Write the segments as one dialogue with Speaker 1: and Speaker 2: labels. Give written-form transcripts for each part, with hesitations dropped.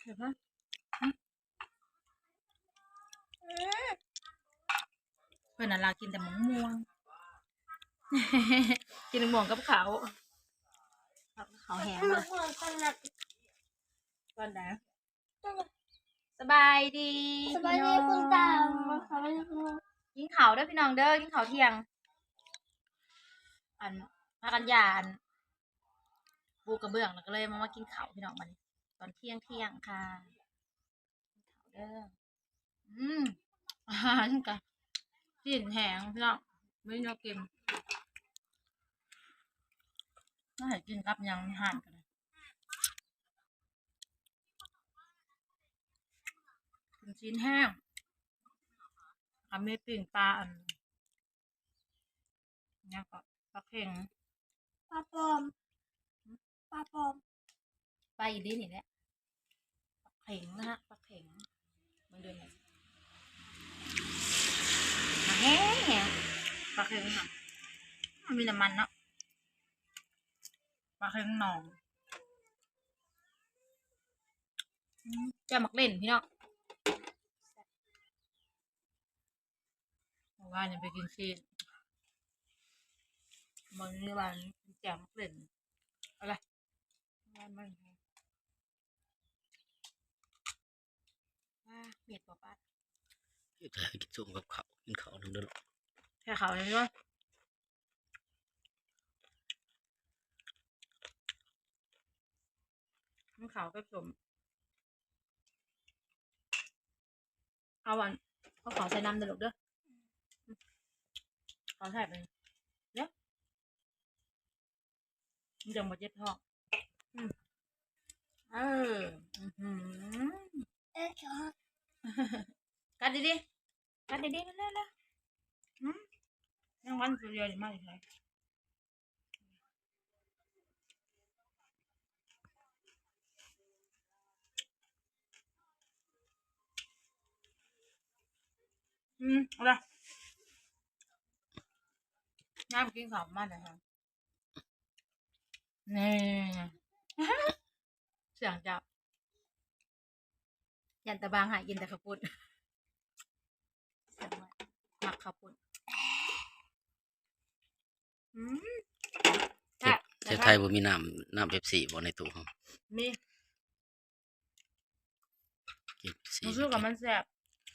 Speaker 1: เดี๋ยวนะเพื่อนน่ะลากินแต่มะม่วง กินมะม่วงกับเขาแห้งเลยก่อนนะสบายดี
Speaker 2: สบายดีคุณตาสบายดีคุณ
Speaker 1: กินข้าวเด้อพี่น้องเด้อกินข้าวเที่ยงอันพากันยานปูกระเบื้องแล้วก็เลยมากินข้าวพี่น้องมันตอนเที่ยงค่ะกินข้าวเด้ออาหารกันสิ้นแห้งพี่น้องไม่ยอมกินน่าให้กินกับยังห่านกันเลยกินชิ้นแห้งทำให้ปิ่งปลาอันนี้ก็ปลาเค็ง
Speaker 2: ปลาปลอมปลาปลอม
Speaker 1: ปลาอีลินนี่แหละปลาเข็งนะฮะปลาเข็งมันเดินมาแห้งปลาเข็งค่ะมันมีน้ำมันเนาะปลาเข็งหนองจะมักเล่นพี่เนาะว่าจะไปกินซีนมันนี่วันแจ่มมักเล่นอะไรมันว่าเมียดปอป้า
Speaker 3: อยากให้กินส้มกับข้าวกินข้าวนึงเด้อ
Speaker 1: แค่เขาเลยว่ามันขาวก็สมเอาวันเขาขอใส่น้ำเดือดเด้อขอใส่ไปเนี่ยมันจะหมดเย็ดท้องเออ
Speaker 2: ชอบ
Speaker 1: กัดดีๆกัดดีๆเร็วๆยังวันสุดยอดมากเลยอะไรน้ำกินข้าวมากเลยค่ะนี่เสียงจับยันตะบางหายยินแต่ข้าวปุ้นเสียงว่าหมักข้าวปุ้น
Speaker 3: เทพไทยบ่มีน้ำเป๊ปซี่บ่ในตู้เฮา
Speaker 1: มี
Speaker 3: กินเป๊ปซี่
Speaker 1: รู้สึกว่ามันแซ่บ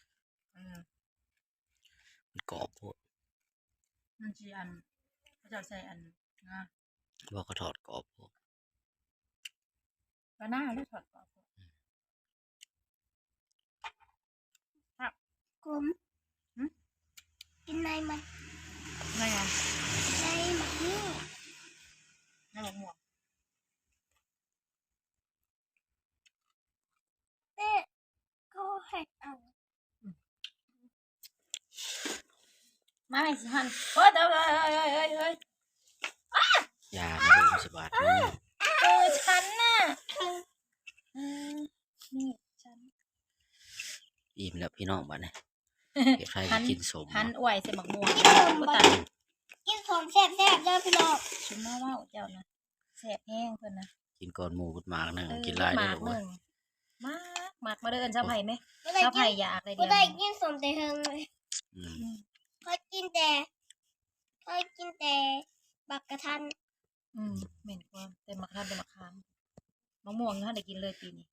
Speaker 3: มันกรอบโพด
Speaker 1: มันจีอันเขาจะใส่อันนะ
Speaker 3: บ่เขาทอดกรอบโพด
Speaker 1: ก็น่าได้ถอดกรอบ
Speaker 2: กลมกินในมัน
Speaker 1: ไงอ่ะ
Speaker 2: ในหมักนี่
Speaker 1: ในหมวกหมวก
Speaker 2: เต้ก็ให้เอา
Speaker 1: มาให้สิฮันเฮ้ยเฮ้ย
Speaker 3: ยาไม่รู้สิบาทนี่
Speaker 1: ฉันน่ะนี่ฉัน
Speaker 3: อิ่มแล้วพี่น้องบัดนี้เทพไทยก็กินสม
Speaker 1: หันอวยใส่หมกม่วง
Speaker 2: กินของแซ่บๆเด้อพี่น้อง
Speaker 1: ชุนมาว่าเจ้านะแซ่บแห้งเพิ่นนะ
Speaker 3: กินก่อนหมูกุดหมากนึงกินหลาย
Speaker 1: ห
Speaker 3: ได้
Speaker 1: มาก
Speaker 3: ลูก
Speaker 1: ห
Speaker 3: เว้
Speaker 1: นึ่
Speaker 3: ย
Speaker 1: งมากมาเดินชาวไผ่ไหม
Speaker 2: ไม่ได้
Speaker 1: ชาว
Speaker 2: กิ
Speaker 1: ไผ่
Speaker 2: น
Speaker 1: อยากเลยเดี
Speaker 2: ไม่
Speaker 1: ยว
Speaker 2: ได้กินสมแต่เฮงเลย
Speaker 3: อืม
Speaker 2: เขากินแต่บักกระทัน
Speaker 1: เหม็นกว่าเต็มมะขามเต็มมะขามมะม่วงท่านได้กินเลยปีนี้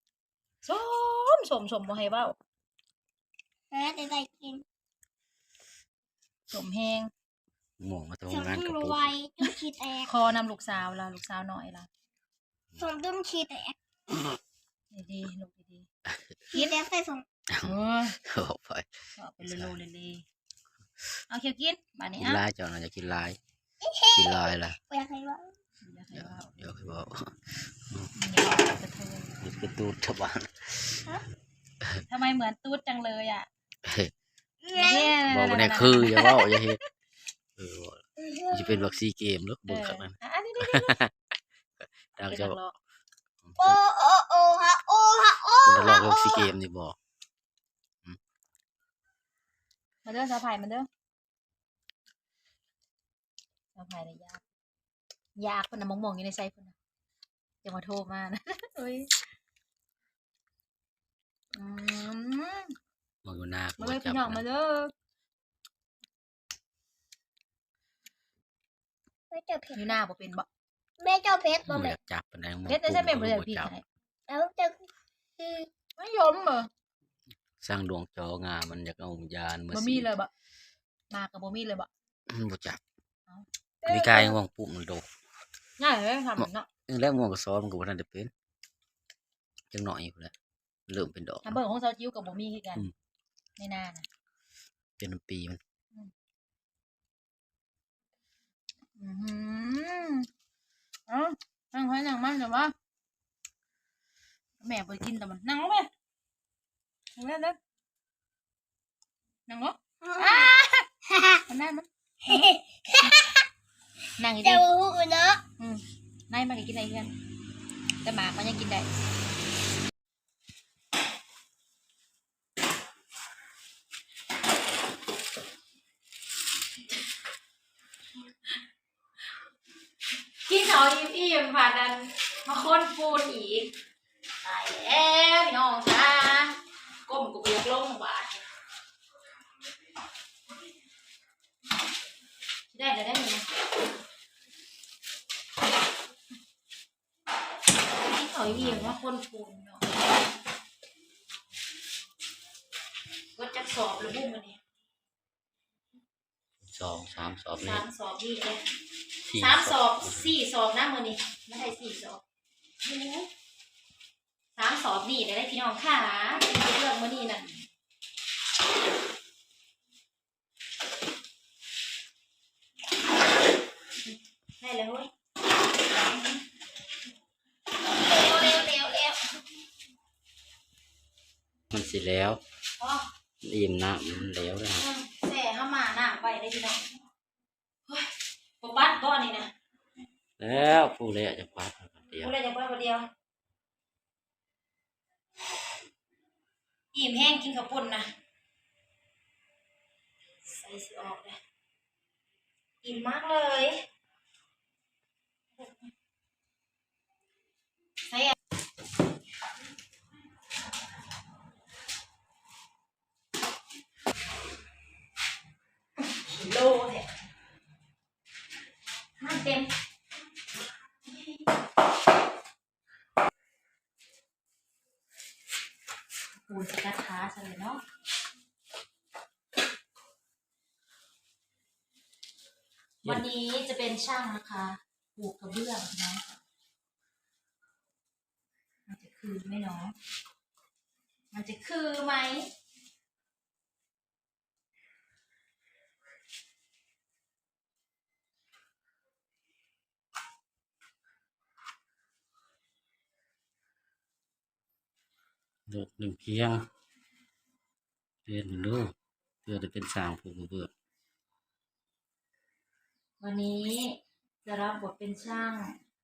Speaker 1: สมบ่ให้เบ้า
Speaker 2: แต่ได้กิน
Speaker 1: สมแห้ง
Speaker 3: หมูมา
Speaker 2: สม
Speaker 3: ทำงาน
Speaker 2: ตุ้
Speaker 3: กับ
Speaker 2: ม
Speaker 3: ปุ๊
Speaker 2: ไวจนขี้แตก
Speaker 1: คอนำลูกสาวละลูกสาวหน่อยละ
Speaker 2: สมตุ้มขี้แตก
Speaker 1: ดีๆลูกดี
Speaker 2: ขี้แตกใส่สม
Speaker 1: ๆเออ
Speaker 3: เอาไป
Speaker 1: เอาไปโลๆเลยๆเอาเคียวกินบ้านนี้
Speaker 3: กิน
Speaker 1: อ่ะ
Speaker 3: หลายเจ้าน่าจะกินหลายกินหลายล่ะ
Speaker 2: อยากให้ว่า
Speaker 1: อย่าให้
Speaker 3: เดี๋ยว
Speaker 1: เว้า
Speaker 3: เดี๋ยวให้บอก
Speaker 1: อย่าเอากระเทย
Speaker 3: มันเป็นตูดชาวบ้าน
Speaker 1: ทำไมเหมือนตูดจังเลยอ่ะ
Speaker 3: บอกว่าเนี่ยคืออย่าเว้าอย่าเฮ็ดจะเป็นวัคซีนเกมแล้วเบิ่งข้างนั้น
Speaker 1: อันนี้
Speaker 3: ดัง
Speaker 1: เป็น
Speaker 3: จะ
Speaker 1: นักร้อง
Speaker 2: โอ้โอ้โอ้ฮะโอ้ฮะโอ้
Speaker 3: เป็นนักร้องวัคซีนเกมนี่บ่
Speaker 1: มาเด้อสาวไผ่มาเด้อสาวไผ่เลยยากคนน่ะมองๆอยู่ในไซคนน่ะอย่ามาโทรมานะเฮ้ย
Speaker 3: เอาอยู่หน้า
Speaker 1: มาเลยพี่น้องมาเด้อ
Speaker 2: ไม่เจอเผ็ด
Speaker 1: อยู่หน้าบ่เป็นบ่
Speaker 2: แม่เจ้าเผ็ดบ่
Speaker 3: บ่
Speaker 2: แม่
Speaker 3: อยากจับปานใด
Speaker 1: เพชรได้ใช่เป็นบ่ได้พี่ไทย
Speaker 2: แล้วจะคือ
Speaker 1: ไม่ยมเหรอ
Speaker 3: สร้างดวงจองามันอยากเอายานมา
Speaker 1: บ่มีเลยบ่มากับบ่มีเลยบ่
Speaker 3: บ่จับมีกายว่างปุ๊บมันโดด
Speaker 1: ง่ายเลยทำเนาะ
Speaker 3: แล้วม่วงก็ซ้อมมันก็บ่ทันได้เป็นจังหน่อยพุ่นแหละเริ่มเป็นดอก
Speaker 1: ถ้าเบิ่งของเซาจิ้วกับบ่มีคือกัน
Speaker 3: อืม
Speaker 1: ในหน้าน่ะ
Speaker 3: เป็นปีมัน
Speaker 1: เอ้านั่งให้นั่งมันเดี๋ยวว่าแม่ไปกินแต่มันนั่งลงไปนั่งเล่นเล่นนั่งลงมันได้มันนั่งอีก
Speaker 2: เจ้า
Speaker 1: ที
Speaker 2: หูเนาะ
Speaker 1: นายมันก็กินได้เพื่อนแต่หมามันยังกินได้กินเขาอิ่มๆผ่านนั้นมาค้นปูนอีกตายแล้วพี่น้องจ้าก้มกูเบียกลงบาดได้จะได้ไหมกินเขาอิ่มมาค้นปูนเนาะก็จะสอบหรือบุ้งมันเนี่ย
Speaker 3: 2 3สอบนี่
Speaker 1: 3 สอบนี่เลย
Speaker 3: 4
Speaker 1: 3 สอบ 4 สอบนะมือนี่ไม่ใช่4 สอบ3 สอบนี่ได้พี่น้องค่ะเลือกมือนี่นั่นได้แล้วเว้ยเร็ว
Speaker 3: มันสิแล้ว
Speaker 1: อ๋อ
Speaker 3: อิ่มน้ำมันแล้วนะ
Speaker 1: แส่เข้ามาหน้าไปได้พี่น้องเฮ้ยปปัดก้อนนี่นะ
Speaker 3: แล้วผู้เละจะปัดเดียว
Speaker 1: กูเลยจะปัดคนเดียวอิ่มแห้งกินข้าวปุ้นนะใส่สิออกเลยอิ่มมากเลยใส่โลเนี่ยมันเต็มปูนสกัดขาใช่เนาะวันนี้จะเป็นช่างนะคะปลูกกระเบื้องนะมันจะคือไหมเนาะมันจะคือไหม
Speaker 3: เลือก1เพียงเรียนดูเพื่อจะเป็นสร้างผู้เบื่อ
Speaker 1: วันนี้จะรับบทเป็นช่าง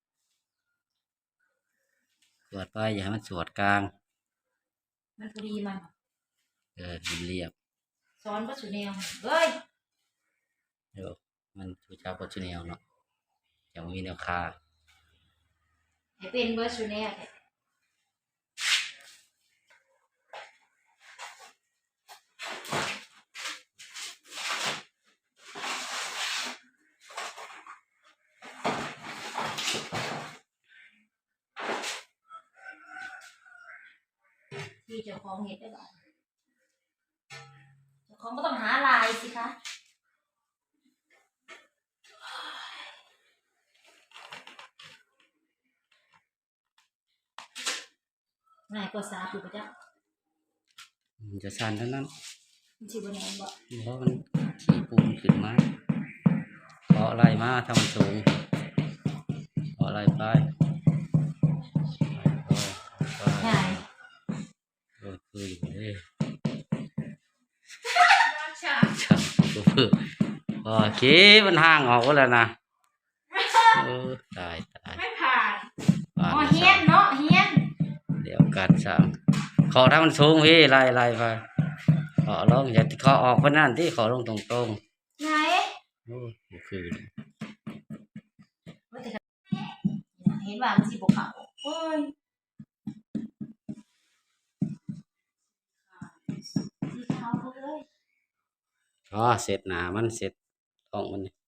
Speaker 3: สวดไปอย่าให้มันสวดกลาง
Speaker 1: มันพอดีมัน
Speaker 3: มันเรียบ
Speaker 1: สอนปัจจุบันเฮ้ย
Speaker 3: เดี๋ยวมันชูชาโปรชุเนลเนาะยังมีแนวคา
Speaker 1: ให้เป็นเบอร์ชูเน่ที่เจ้าของเห็ดได้บ้างเจ้าของก็ต้องหาลายสิคะง่ายกว่าสาถูกปะจ๊ะ
Speaker 3: มันจะชันเท่านั้น
Speaker 1: มันชื่อว่าไงบ่
Speaker 3: เพราะมันขี่ปูนขึ้นมาเพราะอะไรมาทำสูงเพราะอะไรไป
Speaker 1: ง่าย
Speaker 3: คืออยู่เลย
Speaker 1: ช่าง
Speaker 3: ชักก็เพื่อโอเคมันห่างออกแล้วนะตาย
Speaker 1: ไม่ผ่าน
Speaker 3: ผ่าน
Speaker 1: อ๋อเฮียนเนาะเฮียน
Speaker 3: เดี๋ยวการสั่งขอถ้ามันสูงพี่ไล่ไปขอลงอย่าขอออกเพราะนั่นที่ขอลงตรง
Speaker 1: ไหน
Speaker 3: ๆโอ้คือ
Speaker 1: เห็นว่ามันสิบกเขาโอ้ยสีข
Speaker 3: อ๋อเสร็จหนามันเสร็จท้องมันนี่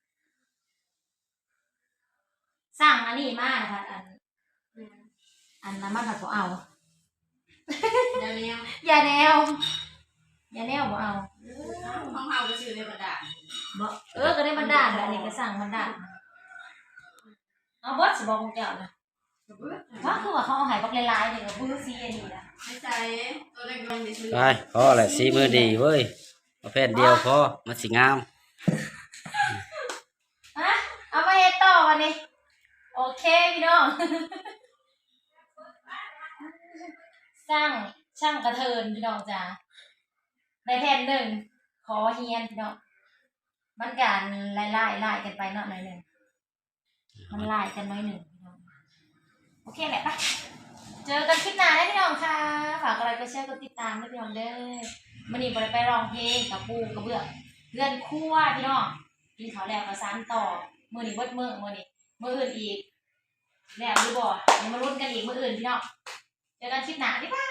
Speaker 1: สั่งอันนี้มานะคะอันน้ำมันผัดบ่เอาอย่าแนวอย่าแนวบ่เอา
Speaker 2: ของเฮาก็ชื่อในบรรดา
Speaker 1: บ่ก็ได้บรรดาอันนี้ก็สั่งบรรดาเอาบดสิบอกของเจ้านะว่าคือว่าเขาเอาหายบักหลายๆนี่ก็บื้อซีอันนี้นะ
Speaker 2: ไม่ใช่ตัวเล็กลงดิซื้อ
Speaker 3: ไปพอแหละสีมือดีเว้ยเอาแผ่นเดียวพอมันสิงาม
Speaker 1: ฮะเอามาเฮ็ดต่อวันนี้โอเคพี่น้องช่างกระเทินพี่น้องจ้าได้แผ่นหนึ่งขอเฮียนพี่น้องมันการไล่กันไปเนาะหน่อยหนึ่งมันไล่กันน้อยหนึ่งพี่น้องโอเคแหละปะเจอกันคลิปหน้าได้พี่น้องค่ะฝากอะไรก็แชร์กดติดตามด้วยพี่น้องเด้อมื้อนี้บ่ได้ไปร้องเพลงกับปูกับเบื้องเพื่อนครั่วพี่น้องกินข้าวแล้วก็สานต่อมื้อนี้เบิดมื้ออื่นอีกแล้วหรือบ่เดี๋ยวมาลุ้นกันอีกมื้ออื่นพี่น้องเจอกันคลิปหน้าบ๊ายบาย